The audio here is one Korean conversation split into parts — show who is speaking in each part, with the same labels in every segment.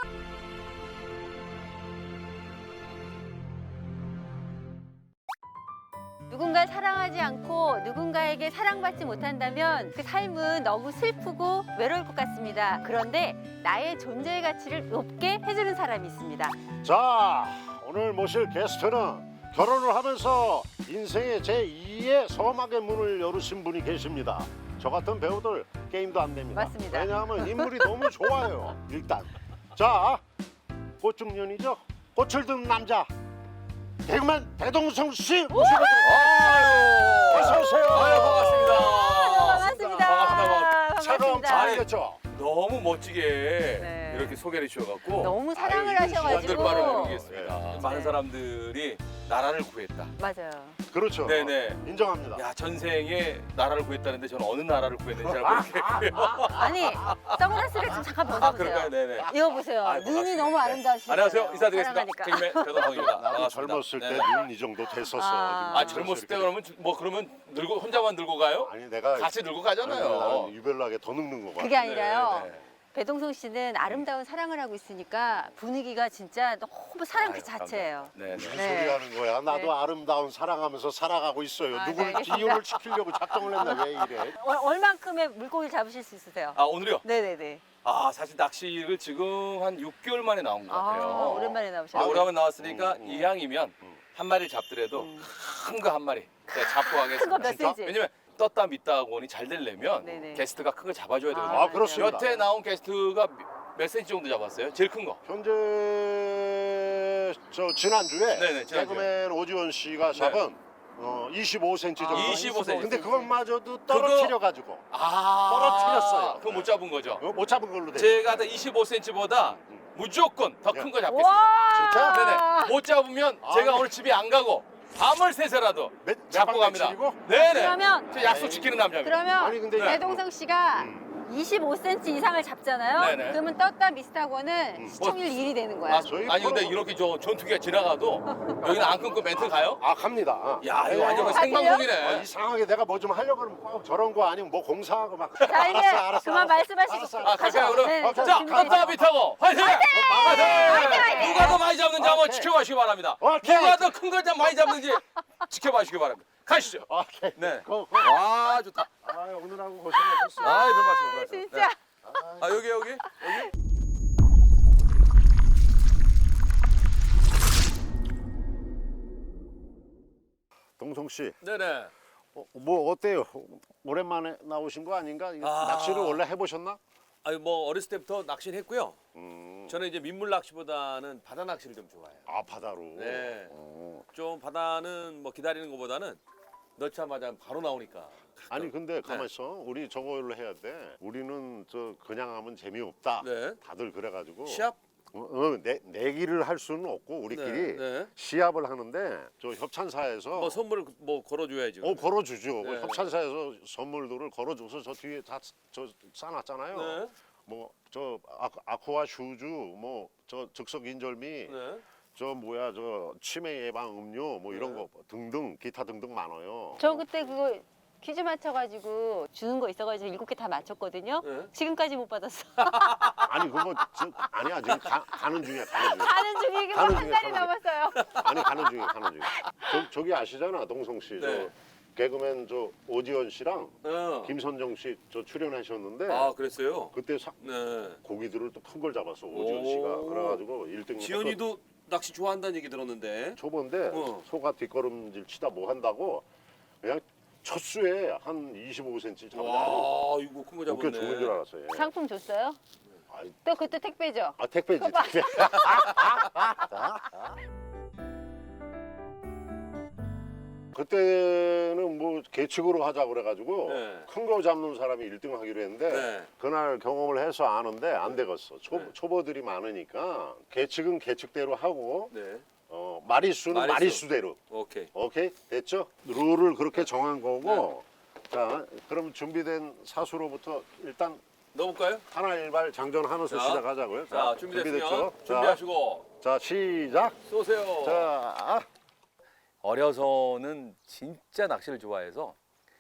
Speaker 1: 누군가를 사랑하지 않고 누군가에게 사랑받지 못한다면 그 삶은 너무 슬프고 외로울 것 같습니다. 그런데 나의 존재의 가치를 높게 해주는 사람이 있습니다.
Speaker 2: 자, 오늘 모실 게스트는 결혼을 하면서 인생의 제2의 서막의 문을 열으신 분이 계십니다. 저 같은 배우들 게임도 안 됩니다.
Speaker 1: 맞습니다.
Speaker 2: 왜냐하면 인물이 너무 좋아요. 일단 자, 꽃중년이죠. 꽃을 든 남자 개그맨 배동성 씨 모시고
Speaker 3: 아유,
Speaker 2: 어서 오세요.
Speaker 3: 아유, 반갑습니다.
Speaker 1: 반갑습니다.
Speaker 3: 반갑습니다.
Speaker 2: 촬영 잘했죠.
Speaker 3: 너무 멋지게
Speaker 1: 네.
Speaker 3: 이렇게 소개를 주셔갖고
Speaker 1: 너무 사랑을
Speaker 2: 아유,
Speaker 1: 하셔가지고
Speaker 3: 말을 모르겠습니다.
Speaker 2: 네.
Speaker 3: 많은 사람들이 나라를 구했다.
Speaker 1: 맞아요.
Speaker 2: 그렇죠.
Speaker 3: 네네.
Speaker 2: 인정합니다.
Speaker 3: 야, 전생에 나라를 구했다는데 저는 어느 나라를 구했는지 잘 모르겠고요.
Speaker 1: 아니 선글라스를 좀 잠깐
Speaker 3: 아,
Speaker 1: 벗어보세요.
Speaker 3: 그럴까요? 네네.
Speaker 1: 이거 보세요.
Speaker 3: 아유,
Speaker 1: 눈이
Speaker 3: 반갑습니다.
Speaker 1: 너무 아름다우시죠.
Speaker 3: 안녕하세요. 인사드리겠습니다.
Speaker 1: 사랑하니까.
Speaker 3: 개그맨 배동성입니다.
Speaker 2: 나도
Speaker 3: 반갑습니다.
Speaker 2: 젊었을
Speaker 3: 네.
Speaker 2: 때 눈 이 정도 됐었어.
Speaker 1: 아,
Speaker 3: 젊었을 때 그러면 늙고 혼자만 늙고 가요?
Speaker 2: 아니 내가
Speaker 3: 같이 늙고
Speaker 2: 나는
Speaker 3: 가잖아요.
Speaker 2: 유별나게 더 늙는 거 같아.
Speaker 1: 그게 아니라요.
Speaker 3: 네, 네.
Speaker 1: 배동성 씨는 아름다운 사랑을 하고 있으니까 분위기가 진짜 너무 사랑 그
Speaker 3: 아유,
Speaker 1: 자체예요.
Speaker 3: 네, 네.
Speaker 2: 무슨
Speaker 1: 네.
Speaker 2: 소리 하는 거야? 나도
Speaker 1: 네.
Speaker 2: 아름다운 사랑하면서 살아가고 있어요.
Speaker 1: 아,
Speaker 2: 누굴
Speaker 1: 네, 알겠습니다.
Speaker 2: 이혼을 시키려고 작정을 했나 왜 이래?
Speaker 1: 얼만큼의 물고기를 잡으실 수 있으세요?
Speaker 3: 아, 오늘요?
Speaker 1: 네네네.
Speaker 3: 아, 사실 낚시를 지금 한 6개월 만에 나온 것 같아요.
Speaker 1: 오랜만에 나오셨어요.
Speaker 3: 아, 오랜만에 나왔으니까
Speaker 2: 음.
Speaker 3: 이왕이면 한 마리를 잡더라도 큰 거 한 마리 제가 잡고
Speaker 1: 큰 거
Speaker 3: 가겠습니다.
Speaker 1: 몇 센치?
Speaker 3: 왜냐면 떴다 믿다 하고니 잘 되려면
Speaker 1: 네네.
Speaker 3: 게스트가 큰 거 잡아줘야 되거든요.
Speaker 2: 아, 그렇습니다.
Speaker 3: 여태 나온 게스트가 몇 센치 정도 잡았어요? 제일 큰 거.
Speaker 2: 현재 저 지난주에
Speaker 3: 네네, 지난주에.
Speaker 2: 개그맨 오지원 씨가 잡은 25cm 정도.
Speaker 3: 25cm.
Speaker 2: 근데 그것마저도 떨어뜨려 가지고
Speaker 3: 아,
Speaker 2: 떨어뜨렸어요.
Speaker 3: 그거 못 잡은 거죠.
Speaker 2: 못 잡은 걸로 돼.
Speaker 3: 제가 25cm보다 무조건 더 큰 거 잡겠습니다.
Speaker 1: 와!
Speaker 2: 진짜?
Speaker 3: 네네. 못 잡으면 제가
Speaker 2: 네.
Speaker 3: 오늘 집에 안 가고 밤을 새서라도 잡고 갑니다.
Speaker 2: 며칠이고?
Speaker 3: 네네.
Speaker 1: 그러면
Speaker 3: 저 약속 지키는 남자입니다.
Speaker 1: 그러면
Speaker 2: 아니, 근데
Speaker 1: 배동성 씨가 25cm 이상을 잡잖아요.
Speaker 3: 네네.
Speaker 1: 그러면 떴다 미스타고는 시청률 1위 되는 거야.
Speaker 3: 아,
Speaker 2: 저희
Speaker 3: 아니 근데
Speaker 2: 프로-
Speaker 3: 이렇게 저 전투기가 지나가도 여기는 안 끊고 멘트 가요?
Speaker 2: 아 갑니다.
Speaker 3: 야, 이거 완전
Speaker 1: 아,
Speaker 3: 생방송이네.
Speaker 2: 이상하게 내가 뭐 좀 하려고 그러면 꼭 저런 거 아니면 뭐 공사하고 막.
Speaker 1: 자 이제 그만 말씀하시고.
Speaker 2: 알았어.
Speaker 3: 아, 갈까요 그럼?
Speaker 1: 네,
Speaker 2: 자,
Speaker 3: 자,
Speaker 1: 준비되시죠?
Speaker 3: 떴다 비타고 화이팅! 화이팅! 누가 더 많이 잡는지 한번
Speaker 2: 오케이.
Speaker 3: 지켜봐주시기 바랍니다.
Speaker 2: 오케이.
Speaker 3: 누가 더 큰 걸 많이 잡는지 지켜봐주시기 바랍니다. 가시죠.
Speaker 2: 오케이.
Speaker 3: 네.
Speaker 2: 고.
Speaker 3: 와, 좋다.
Speaker 2: 아 오늘하고 고생하셨어.
Speaker 3: 아, 별 말씀, 별 말씀.
Speaker 1: 진짜.
Speaker 3: 네. 아, 여기.
Speaker 2: 동성 씨,
Speaker 3: 네네.
Speaker 2: 뭐 어때요? 오랜만에 나오신 거 아닌가? 이거
Speaker 3: 아.
Speaker 2: 낚시를 원래 해보셨나?
Speaker 3: 아니 뭐 어렸을 때부터 낚시를 했고요.
Speaker 2: 음.
Speaker 3: 저는 이제 민물 낚시보다는 바다 낚시를 좀 좋아해요.
Speaker 2: 아 바다로.
Speaker 3: 네.
Speaker 2: 어.
Speaker 3: 좀 바다는 뭐 기다리는 것보다는 넣자마자 바로 나오니까.
Speaker 2: 아니 근데 가만
Speaker 3: 네.
Speaker 2: 있어. 우리 저걸로 해야 돼. 우리는 저 그냥 하면 재미없다.
Speaker 3: 네.
Speaker 2: 다들 그래가지고.
Speaker 3: 시합?
Speaker 2: 내기를 할 수는 없고 우리끼리
Speaker 3: 네.
Speaker 2: 시합을 하는데 저 협찬사에서
Speaker 3: 뭐 선물을 뭐 걸어줘야지.
Speaker 2: 걸어주죠. 그
Speaker 3: 네.
Speaker 2: 협찬사에서 선물들을 걸어줘서 저 뒤에 다 저 싸놨잖아요.
Speaker 3: 네.
Speaker 2: 뭐 저 아쿠아 슈즈, 뭐 저 즉석 인절미,
Speaker 3: 네.
Speaker 2: 저 뭐야 저 치매 예방 음료 뭐 이런
Speaker 3: 네.
Speaker 2: 거 등등 기타 등등 많아요.
Speaker 1: 저 그때 그거 퀴즈 맞춰가지고 주는 거 있어가지고 7개 다 맞췄거든요.
Speaker 3: 네.
Speaker 1: 지금까지 못 받았어.
Speaker 2: 아니 그거 아니야 지금 가는 중이야 가는 중이야.
Speaker 1: 가는 중이고
Speaker 2: 가는
Speaker 1: 한
Speaker 2: 중이야,
Speaker 1: 달이
Speaker 2: 가는
Speaker 1: 넘었어요.
Speaker 2: 아니 가는 중이야. 저기 아시잖아 동성 씨.
Speaker 3: 네.
Speaker 2: 저 개그맨 저 오지원 씨랑
Speaker 3: 어.
Speaker 2: 김선정 씨 저 출연하셨는데
Speaker 3: 아, 그랬어요.
Speaker 2: 그때
Speaker 3: 네.
Speaker 2: 고기들을 또 큰 걸 잡았어 오지원 씨가.
Speaker 3: 오.
Speaker 2: 그래가지고 1등.
Speaker 3: 지연이도 낚시 좋아한다는 얘기 들었는데.
Speaker 2: 초보인데
Speaker 3: 어.
Speaker 2: 소가 뒷걸음질 치다 뭐 한다고 그냥 첫 수에 한 25cm 잡아.
Speaker 3: 와, 이거 큰 거
Speaker 2: 웃겨 죽는 줄
Speaker 3: 잡았네.
Speaker 2: 알았어요. 예.
Speaker 1: 상품 줬어요?
Speaker 2: 아이,
Speaker 1: 또 그때 택배죠?
Speaker 2: 아 택배지.
Speaker 1: 봐봐.
Speaker 2: 택배. 그때는 뭐 계측으로 하자 그래가지고
Speaker 3: 네.
Speaker 2: 큰 거 잡는 사람이 1등 하기로 했는데
Speaker 3: 네.
Speaker 2: 그날 경험을 해서 아는데 안 되겠어.
Speaker 3: 네.
Speaker 2: 초보들이 많으니까 계측은 계측대로 하고
Speaker 3: 네.
Speaker 2: 마리수는
Speaker 3: 마리수.
Speaker 2: 마리수대로.
Speaker 3: 오케이.
Speaker 2: 오케이 됐죠? 룰을 그렇게 정한 거고. 자 그럼 준비된 사수로부터 일단
Speaker 3: 넣어볼까요?
Speaker 2: 하나 일발 장전하면서
Speaker 3: 자.
Speaker 2: 시작하자고요.
Speaker 3: 자, 준비됐으면
Speaker 2: 준비됐죠?
Speaker 3: 준비하시고
Speaker 2: 자 시작.
Speaker 3: 쏘세요.
Speaker 2: 자
Speaker 3: 어려서는 진짜 낚시를 좋아해서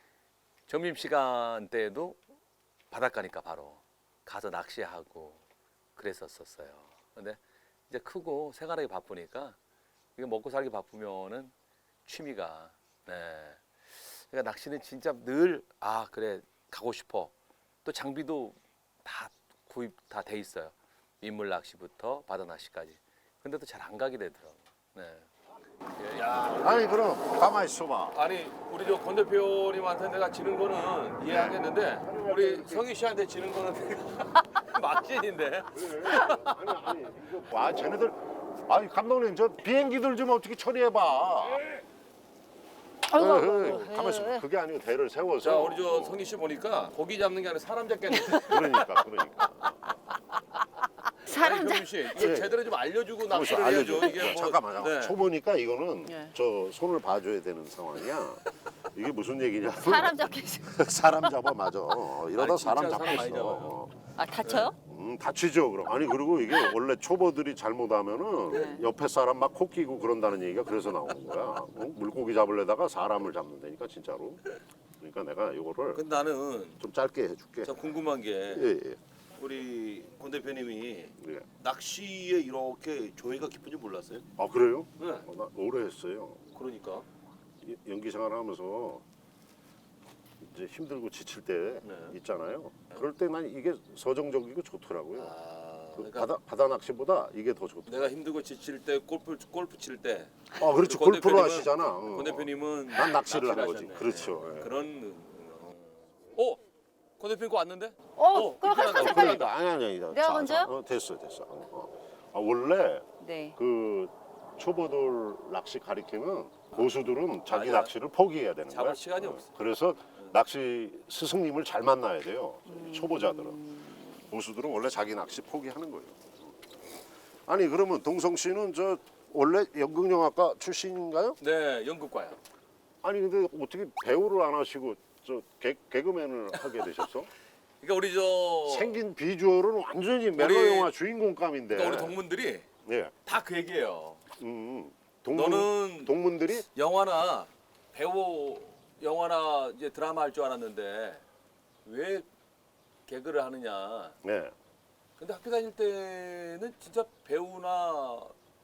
Speaker 3: 점심 시간 때에도 바닷가니까 바로 가서 낚시하고 그랬었어요. 근데 이제 크고 생활하기 바쁘니까 이게 먹고 살기 바쁘면은 취미가 네. 그러니까 낚시는 진짜 늘 아 그래 가고 싶어. 또 장비도 다 구입 다 돼 있어요. 민물 낚시부터 바다 낚시까지. 근데도 잘 안 가게 되더라고. 네. 야,
Speaker 2: 아니 그럼 가만히 있어봐.
Speaker 3: 아니 우리 저 권 대표님한테 내가 지는 거는 이해하겠는데 우리 성희 씨한테 지는 거는 막신인데.
Speaker 2: 아니 이거 와 쟤네들 아니 감독님 저 비행기들 좀 어떻게 처리해봐. 가만 있어. 그게 아니고 대를 세워서.
Speaker 3: 자 우리 저 성희 씨 보니까 고기 잡는 게 아니라 사람 잡겠는데.
Speaker 2: 그러니까.
Speaker 1: 사람
Speaker 3: 아니,
Speaker 1: 잡.
Speaker 3: 경민 씨 이거
Speaker 2: 네.
Speaker 3: 제대로 좀 알려주고
Speaker 2: 그래서
Speaker 3: 낚시를 해야죠.
Speaker 2: 알려줘.
Speaker 3: 이게 뭐
Speaker 2: 잠깐만요.
Speaker 3: 네.
Speaker 2: 초보니까 이거는
Speaker 1: 네.
Speaker 2: 저 손을 봐줘야 되는 상황이야. 이게 무슨 얘기냐?
Speaker 1: 사람 잡겠어.
Speaker 2: 사람 잡아 맞아. 이러다
Speaker 3: 아니, 진짜
Speaker 2: 사람
Speaker 3: 사람 많이
Speaker 2: 잡겠어.
Speaker 3: 잡아요.
Speaker 1: 아 다쳐요?
Speaker 2: 다치죠 그럼. 아니 그리고 이게 원래 초보들이 잘못하면은
Speaker 1: 네.
Speaker 2: 옆에 사람 막 코 끼고 그런다는 얘기가 그래서 나오는 거야. 물고기 잡으려다가 사람을 잡는다니까 진짜로. 그러니까 내가 이거를
Speaker 3: 근데 나는
Speaker 2: 좀 짧게 해줄게.
Speaker 3: 참 궁금한 게
Speaker 2: 예.
Speaker 3: 우리 권 대표님이
Speaker 2: 예.
Speaker 3: 낚시에 이렇게 조예가 깊은지 몰랐어요?
Speaker 2: 아 그래요?
Speaker 3: 네.
Speaker 2: 나 오래 했어요.
Speaker 3: 그러니까.
Speaker 2: 연기 생활하면서 이제 힘들고 지칠 때
Speaker 3: 네.
Speaker 2: 있잖아요. 그럴 때 난 이게 서정적이고 좋더라고요.
Speaker 3: 아,
Speaker 2: 그
Speaker 3: 그러니까
Speaker 2: 바다 낚시보다 이게 더 좋더라고요.
Speaker 3: 내가 힘들고 지칠 때 골프 칠 때.
Speaker 2: 아 그렇지
Speaker 3: 권
Speaker 2: 골프로
Speaker 3: 대표님은-
Speaker 2: 하시잖아.
Speaker 3: 권 대표님은
Speaker 2: 난 낚시를 한 거지.
Speaker 3: 하셨네.
Speaker 2: 그렇죠. 예.
Speaker 3: 그런. 권 대표님 거 왔는데?
Speaker 1: 그럼
Speaker 3: 이렇게
Speaker 1: 빨리
Speaker 3: 나가고.
Speaker 2: 그러니까 아니.
Speaker 1: 내가 먼저요?
Speaker 2: 됐어. 원래
Speaker 1: 네.
Speaker 2: 그 초보들 낚시 가리키면 고수들은 자기
Speaker 3: 아니야.
Speaker 2: 낚시를 포기해야 되는
Speaker 3: 잡을
Speaker 2: 거야.
Speaker 3: 시간이 없어.
Speaker 2: 그래서 낚시 스승님을 잘 만나야 돼요. 초보자들은. 고수들은 원래 자기 낚시 포기하는 거예요. 아니 그러면 동성 씨는 저 원래 연극영화과 출신인가요?
Speaker 3: 네, 연극과요.
Speaker 2: 아니 근데 어떻게 배우를 안 하시고 저 개그맨을 하게 되셨어?
Speaker 3: 그러니까 우리 저
Speaker 2: 생긴 비주얼은 완전히 멜로 영화 주인공감인데.
Speaker 3: 그러니까 우리 동문들이
Speaker 2: 예.
Speaker 3: 다 그 얘기예요. 너는
Speaker 2: 동문들이
Speaker 3: 영화나 배우 영화나 이제 드라마 할 줄 알았는데 왜 개그를 하느냐.
Speaker 2: 네.
Speaker 3: 근데 학교 다닐 때는 진짜 배우나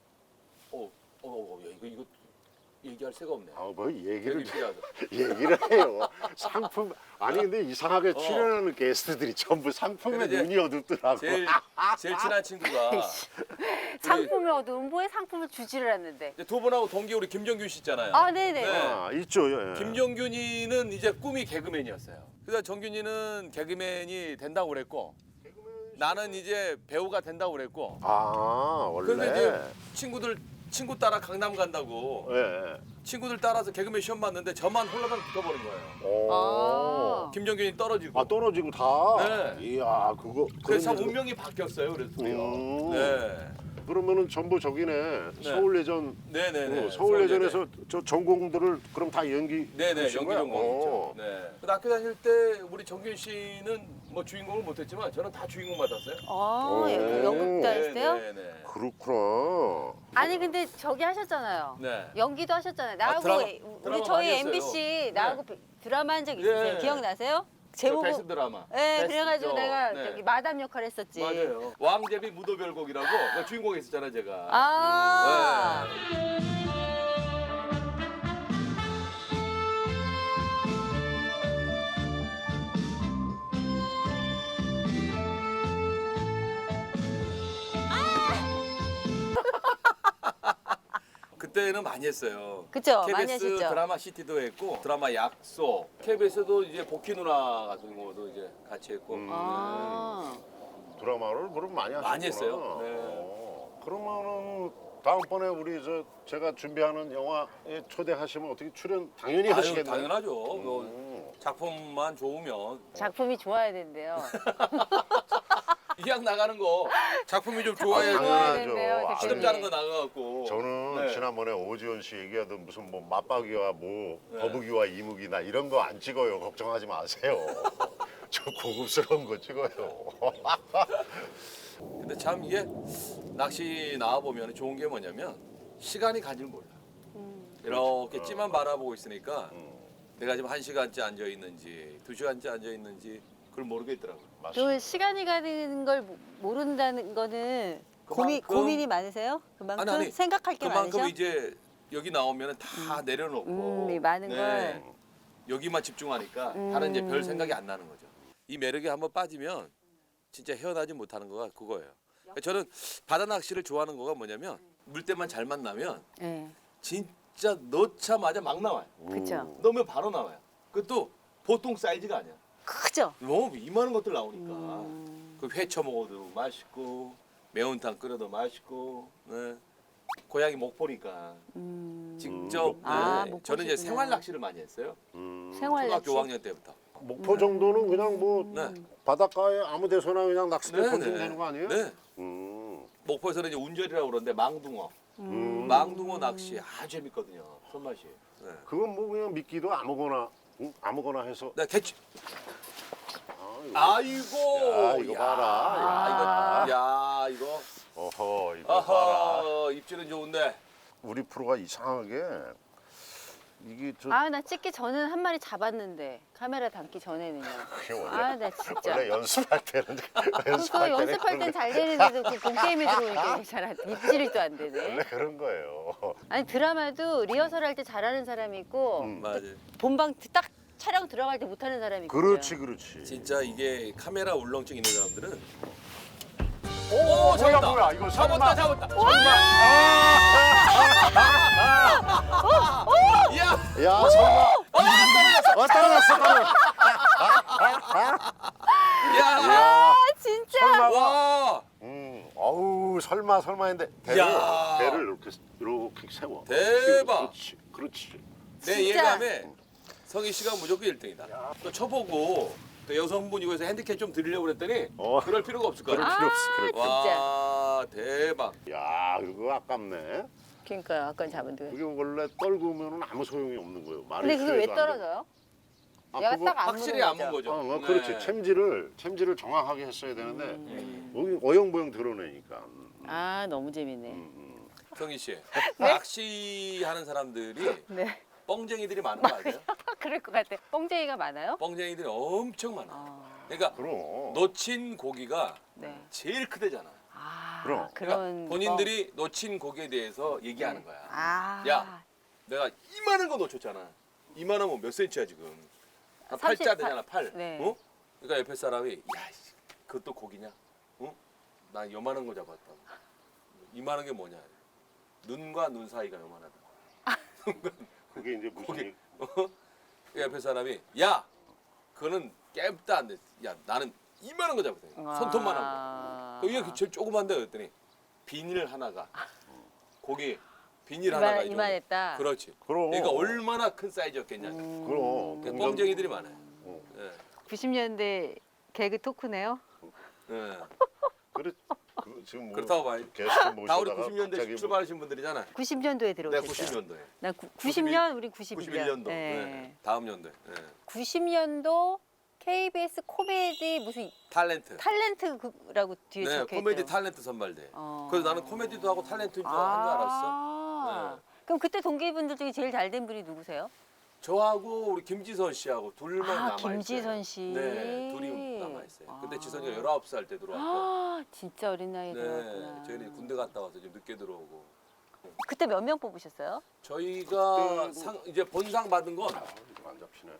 Speaker 3: 야, 이거 얘기할 새가 없네.
Speaker 2: 뭐 얘기를
Speaker 3: 개그
Speaker 2: 얘기를 해요. 상품 아니 근데 이상하게 출연하는 게스트들이 전부 상품에
Speaker 3: 근데 이제
Speaker 2: 눈이 어둡더라고.
Speaker 3: 제일 친한 친구가
Speaker 1: 상품을 얻으면 뭐에 상품을 주지를 않는데.
Speaker 3: 이제 두 분하고 동기 우리 김정균 씨 있잖아요.
Speaker 1: 아 네네.
Speaker 3: 네.
Speaker 2: 아, 있죠. 예.
Speaker 3: 김정균이는 이제 꿈이 개그맨이었어요. 그래서 정균이는 개그맨이 된다고 그랬고 나는 이제 배우가 된다고 그랬고
Speaker 2: 아 원래.
Speaker 3: 그런데 이제 친구 따라 강남 간다고
Speaker 2: 예.
Speaker 3: 친구들 따라서 개그맨 시험 봤는데 저만 홀라당 붙어버린 거예요.
Speaker 2: 오.
Speaker 1: 아.
Speaker 3: 김정균이 떨어지고.
Speaker 2: 아 떨어지고 다.
Speaker 3: 네.
Speaker 2: 이야 그거.
Speaker 3: 그래서 참
Speaker 2: 그런 일도-
Speaker 3: 운명이 바뀌었어요. 그래서 둘이요.
Speaker 2: 음.
Speaker 3: 네.
Speaker 2: 그러면은 전부 저기네. 서울예전.
Speaker 3: 네네네.
Speaker 2: 서울예전에서 저 전공들을 그럼 다 연기.
Speaker 3: 네네
Speaker 2: 하신
Speaker 3: 연기
Speaker 2: 거야?
Speaker 3: 전공이죠.
Speaker 2: 오.
Speaker 3: 네. 근데 학교 다닐 때 우리 정균 씨는 뭐 주인공을 못했지만 저는 다 주인공 맡았어요.
Speaker 1: 아,
Speaker 2: 오.
Speaker 1: 연극도 하셨어요?
Speaker 3: 네네.
Speaker 2: 그렇구나.
Speaker 1: 아니 근데 저기 하셨잖아요.
Speaker 3: 네.
Speaker 1: 연기도 하셨잖아요. 나하고
Speaker 3: 드라마
Speaker 1: 우리
Speaker 3: 많이
Speaker 1: 저희
Speaker 3: 했어요.
Speaker 1: MBC 나하고 드라마 한 적 있으세요?
Speaker 3: 네.
Speaker 1: 기억나세요?
Speaker 3: 저
Speaker 1: 제목.
Speaker 3: 베스트 드라마.
Speaker 1: 네,
Speaker 3: 베스트
Speaker 1: 그래가지고
Speaker 3: 저,
Speaker 1: 내가
Speaker 3: 네.
Speaker 1: 저기 마담 역할 했었지.
Speaker 3: 맞아요. 왕제비 무도별곡이라고 그 주인공 했었잖아요, 제가.
Speaker 1: 아.
Speaker 3: 네. 그때는 많이 했어요.
Speaker 1: 그쵸,
Speaker 3: KBS
Speaker 1: 많이 하셨죠.
Speaker 3: 드라마 시티도 했고 드라마 약속, KBS도 이제 복희 누나 같은 거도 이제 같이 했고.
Speaker 1: 아.
Speaker 2: 드라마를 그럼 많이 하셨구나.
Speaker 3: 많이 했어요. 네.
Speaker 2: 그러면은 다음번에 우리 제가 준비하는 영화에 초대하시면 어떻게 출연 당연히
Speaker 3: 아유,
Speaker 2: 하시겠네요.
Speaker 3: 당연하죠. 뭐 작품만 좋으면
Speaker 1: 작품이 좋아야 된대요.
Speaker 3: 이왕 나가는 거 작품이 좀
Speaker 1: 좋아야
Speaker 3: 좋아야지.
Speaker 2: 당연하죠.
Speaker 1: 된대요, 대표님.
Speaker 3: 시름자는 거 나가갖고.
Speaker 2: 저는
Speaker 3: 네.
Speaker 2: 지난번에 오지원 씨 얘기하던 무슨 뭐 맞박이와 뭐
Speaker 3: 네.
Speaker 2: 거북이와 이무기나 이런 거 안 찍어요. 걱정하지 마세요. 저 고급스러운 거 찍어요.
Speaker 3: 근데 참 이게 낚시 나와 보면 좋은 게 뭐냐면 시간이 가질 몰라. 이렇게 찌만 바라보고 있으니까 내가 지금 1시간째 앉아 있는지 2시간째 앉아 있는지 그걸 모르겠더라고.
Speaker 2: 맞습니다.
Speaker 1: 그 시간이 가는 걸 모른다는 거는 고민이 많으세요? 그만큼
Speaker 3: 아니,
Speaker 1: 생각할 게
Speaker 3: 그만큼
Speaker 1: 많으셔?
Speaker 3: 이제 여기 나오면 다 내려놓고
Speaker 1: 이 많은 걸.
Speaker 3: 여기만 집중하니까 다른 이제 별 생각이 안 나는 거죠. 이 매력에 한번 빠지면 진짜 헤어나지 못하는 거가 그거예요. 그러니까 저는 바다 낚시를 좋아하는 거가 뭐냐면 물때만 잘 만나면
Speaker 1: 네.
Speaker 3: 진짜 넣자마자 막 나와요.
Speaker 1: 그죠.
Speaker 3: 넣으면 바로 나와요. 그것도 보통 사이즈가 아니야.
Speaker 1: 크죠.
Speaker 3: 너무 이만한 것들 나오니까 그 회쳐 먹어도 맛있고 매운탕 끓여도 맛있고 네. 고향이 목포니까 직접
Speaker 1: 아,
Speaker 3: 네.
Speaker 1: 목포시구나.
Speaker 3: 저는 이제 생활 낚시를 많이 했어요.
Speaker 1: 생활 낚시.
Speaker 3: 초등학교 5학년 때부터.
Speaker 2: 목포 정도는 그냥 뭐
Speaker 3: 네.
Speaker 2: 바닷가에 아무 데서나 그냥 낚싯대
Speaker 3: 네,
Speaker 2: 던지면
Speaker 3: 네.
Speaker 2: 되는 거 아니에요?
Speaker 3: 네. 목포에서는 이제 운절이라고 그러는데 망둥어. 망둥어 낚시 아주 재밌거든요. 손맛이. 네.
Speaker 2: 그건 뭐 그냥 미끼도 아무거나 아무거나 해서.
Speaker 3: 네, 개치.
Speaker 2: 야,
Speaker 3: 아이고.
Speaker 2: 이거 봐라.
Speaker 3: 야, 이거.
Speaker 2: 어허, 이거 봐라.
Speaker 3: 아하, 입질은 좋은데.
Speaker 2: 우리 프로가 이상하게 이게 저
Speaker 1: 아, 나 찍기 전에는 한 마리 잡았는데 카메라 담기 전에는요.
Speaker 2: 그게 원래
Speaker 1: 아, 나 진짜.
Speaker 2: 원래 연습할 때는
Speaker 1: 그거
Speaker 2: 연습할 때는
Speaker 1: 연습할 땐 잘 되는데도 그 본 게임에 들어오니까 잘안 입질도 안 되네.
Speaker 2: 원래 그런 거예요.
Speaker 1: 아니 드라마도 리허설 할 때 잘하는 사람이 있고
Speaker 3: 맞아요.
Speaker 1: 본방 딱 촬영 들어갈 때 못하는 사람이 있고.
Speaker 2: 그렇지.
Speaker 3: 진짜 이게 카메라 울렁증 있는 사람들은
Speaker 2: 오,
Speaker 3: 잡았다.
Speaker 2: 뭐야? 이거 설마.
Speaker 3: 잡았다. 야,
Speaker 2: 야, 설마. 떨어졌어.
Speaker 3: 야,
Speaker 1: 아 진짜.
Speaker 2: 설마.
Speaker 3: 와,
Speaker 2: 어우, 설마 했는데
Speaker 3: 야.
Speaker 2: 배를 이렇게 세워.
Speaker 3: 대박.
Speaker 2: 그렇지.
Speaker 3: 내
Speaker 1: 진짜.
Speaker 3: 예감에 성희 씨가 무조건 1등이다. 또 쳐보고 또 여성분이고 해서 핸디캡 좀 드리려고 그랬더니 그럴 필요가 없을 것
Speaker 2: 그럴
Speaker 3: 같아.
Speaker 2: 필요 없어. 그럴 필요
Speaker 1: 진짜.
Speaker 3: 와, 대박.
Speaker 2: 야, 이거 아깝네.
Speaker 1: 그러니까요. 아까 잡은 데.
Speaker 2: 그게 원래 떨구면은 아무 소용이 없는 거예요. 말이
Speaker 1: 근데 그게 왜
Speaker 2: 필요해도 안 돼.
Speaker 1: 떨어져요?
Speaker 2: 아,
Speaker 1: 얘가
Speaker 2: 그거
Speaker 1: 딱 안
Speaker 3: 확실히
Speaker 1: 무는
Speaker 3: 안 문
Speaker 1: 거죠.
Speaker 3: 거죠.
Speaker 2: 그렇지.
Speaker 3: 네.
Speaker 2: 챔질을 정확하게 했어야 되는데 여기 어영부영 드러내니까.
Speaker 1: 아 너무 재밌네.
Speaker 3: 성희 씨, 낚시하는 사람들이
Speaker 1: 네.
Speaker 3: 뻥쟁이들이 많은 거 알아요?
Speaker 1: 그럴 것 같아. 뻥쟁이가 많아요?
Speaker 3: 뻥쟁이들이 엄청 많아. 그러니까
Speaker 2: 그럼.
Speaker 3: 놓친 고기가
Speaker 1: 네.
Speaker 3: 제일 크대잖아.
Speaker 1: 아
Speaker 2: 그럼.
Speaker 1: 그런
Speaker 3: 본인들이 놓친 고기에 대해서 얘기하는 거야.
Speaker 1: 아.
Speaker 3: 야, 내가 이만한 거 놓쳤잖아. 이만한 건 몇 센치야 지금? 한
Speaker 1: 30,
Speaker 3: 팔자 되잖아, 팔.
Speaker 1: 네.
Speaker 3: 어? 그러니까 옆에 사람이 야, 씨, 그것도 고기냐? 어? 나 요만한 거 잡았다. 이만한 게 뭐냐? 눈과 눈 사이가 요만하다.
Speaker 2: 그게 이제 무슨
Speaker 3: 고기. 그 옆에 사람이 야, 그거는 깸도 안 돼. 야, 나는 이만한 거 잡았다. 손톱만한 거. 이게 제일 조그만데 그랬더니 비닐 하나가 고기 비닐 하나가 이 정도.
Speaker 1: 이만했다.
Speaker 3: 그렇지.
Speaker 2: 그럼.
Speaker 3: 그러니까 얼마나 큰 사이즈였겠냐.
Speaker 2: 그럼.
Speaker 3: 그 뻥쟁이들이 많아요. 예.
Speaker 1: 90년대 개그 토크네요.
Speaker 3: 예.
Speaker 2: 그래. 지금 뭐
Speaker 3: 그렇다고 봐요.
Speaker 2: 게스트
Speaker 3: 다 우리
Speaker 2: 모시다가
Speaker 3: 90년대
Speaker 2: 갑자기
Speaker 3: 출발하신 분들이잖아요.
Speaker 1: 90년도에
Speaker 3: 네,
Speaker 1: 들어오셨어요.
Speaker 3: 90년도에.
Speaker 1: 난 90년, 우리 91년.
Speaker 3: 91년도.
Speaker 1: 네.
Speaker 3: 네. 다음 연도에. 네.
Speaker 1: 90년도 KBS 코미디 무슨 탤런트라고 뒤에
Speaker 3: 네,
Speaker 1: 적혀 있대요.
Speaker 3: 코미디 탤런트 선발대. 그래서 나는 코미디도 하고 탤런트인 줄 한 줄 알았어. 네.
Speaker 1: 그럼 그때 동기분들 중에 제일 잘 된 분이 누구세요?
Speaker 3: 저하고 우리 김지선 씨하고 둘만 남아 있어요.
Speaker 1: 김지선 씨.
Speaker 3: 네, 둘이 남아 있어요. 근데 지선이가 19살 때 들어왔고.
Speaker 1: 아, 진짜 어린 나이에
Speaker 3: 네,
Speaker 1: 들어왔구나.
Speaker 3: 저희는 군대 갔다 와서 좀 늦게 들어오고.
Speaker 1: 그때 몇 명 뽑으셨어요?
Speaker 3: 저희가 이제 본상 받은 건
Speaker 2: 이거 안 잡히네.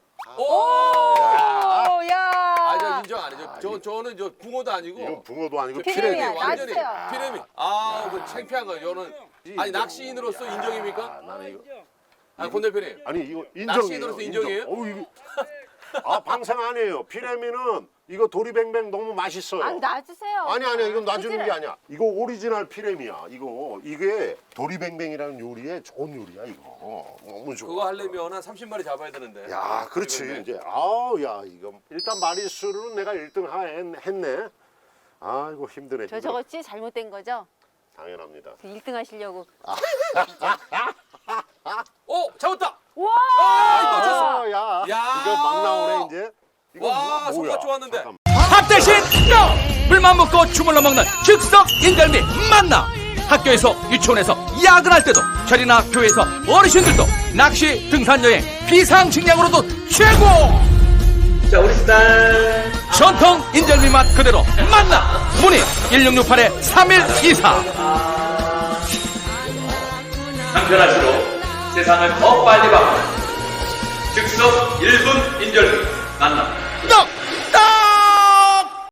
Speaker 1: 오, 야.
Speaker 3: 저 인정 아니죠. 저는 저 붕어도 아니고
Speaker 2: 이건 붕어도 아니고
Speaker 1: 피레미야.
Speaker 2: 피레미.
Speaker 3: 완전히
Speaker 1: 놔주세요.
Speaker 3: 피레미. 그 창피한 거예요. 저는 아니 낚시인으로서 인정입니까?
Speaker 2: 나는 이거
Speaker 3: 권 대표님.
Speaker 2: 아니 이거 인정이에요.
Speaker 3: 낚시인으로서 인정이에요?
Speaker 2: 이거 방생 아니에요. 피레미는 이거 도리뱅뱅 너무 맛있어요.
Speaker 1: 아, 놔주세요.
Speaker 2: 아니야 이건 놔주는
Speaker 1: 그치를.
Speaker 2: 게 아니야. 이거 오리지널 피레미야. 이게 도리뱅뱅이라는 요리에 좋은 요리야 이거. 너무 좋아.
Speaker 3: 그거 하려면 한 30마리 잡아야 되는데.
Speaker 2: 야, 그렇지.
Speaker 3: 도리뱅뱅.
Speaker 2: 이제 야 이거 일단 마리수로는 내가 1등 했네. 아이고 힘드네.
Speaker 1: 저거 찌 잘못된 거죠?
Speaker 2: 당연합니다.
Speaker 1: 1등 하시려고.
Speaker 3: 잡았다.
Speaker 1: 와!
Speaker 2: 야,
Speaker 3: 야.
Speaker 2: 이거 막 나오네 이제. 이거
Speaker 3: 와,
Speaker 2: 뭐야?
Speaker 3: 손맛 좋았는데.
Speaker 2: 잠깐만.
Speaker 4: 밥 대신 떡! 물만 먹고 주물러 먹는 즉석 인절미 만나! 학교에서 유치원에서 야근할 때도 절이나 교회에서 어르신들도 낚시 등산여행 비상식량으로도 최고! 자 우리 스타일 전통 인절미 맛 그대로 만나! 문의 1668-3124. 간편할수록 세상을 더 빨리 바꾸는 즉석 1분 인절미 만납니다.